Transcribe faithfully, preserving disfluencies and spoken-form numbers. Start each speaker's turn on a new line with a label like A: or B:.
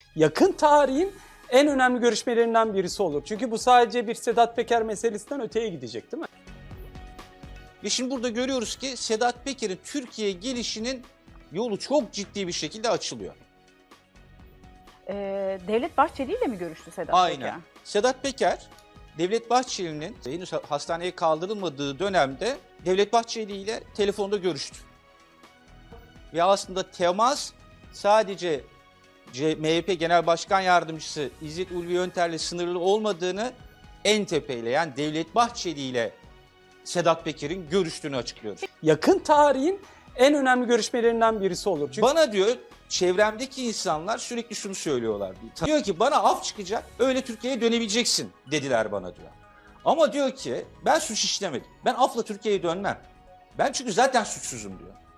A: yakın tarihin en önemli görüşmelerinden birisi olur. Çünkü bu sadece bir Sedat Peker meselesinden öteye gidecek, değil mi?
B: Ve şimdi burada görüyoruz ki Sedat Peker'in Türkiye'ye gelişinin yolu çok ciddi bir şekilde açılıyor.
C: Ee, Devlet Bahçeli ile mi görüştü Sedat
B: Aynen.
C: Peker?
B: Sedat Peker, Devlet Bahçeli'nin henüz hastaneye kaldırılmadığı dönemde Devlet Bahçeli ile telefonda görüştü. Ve aslında temas sadece M H P Genel Başkan Yardımcısı İzzet Ulvi Yönter'le sınırlı olmadığını en tepeyle yani Devlet Bahçeli ile Sedat Peker'in görüştüğünü açıklıyor.
A: Yakın tarihin en önemli görüşmelerinden birisi olur. Çünkü
B: Bana diyor çevremdeki insanlar sürekli şunu söylüyorlar. Diyor ki bana af çıkacak öyle Türkiye'ye dönebileceksin dediler bana diyor. Ama diyor ki ben suç işlemedim. Ben afla Türkiye'ye dönmem. Ben çünkü zaten suçsuzum diyor.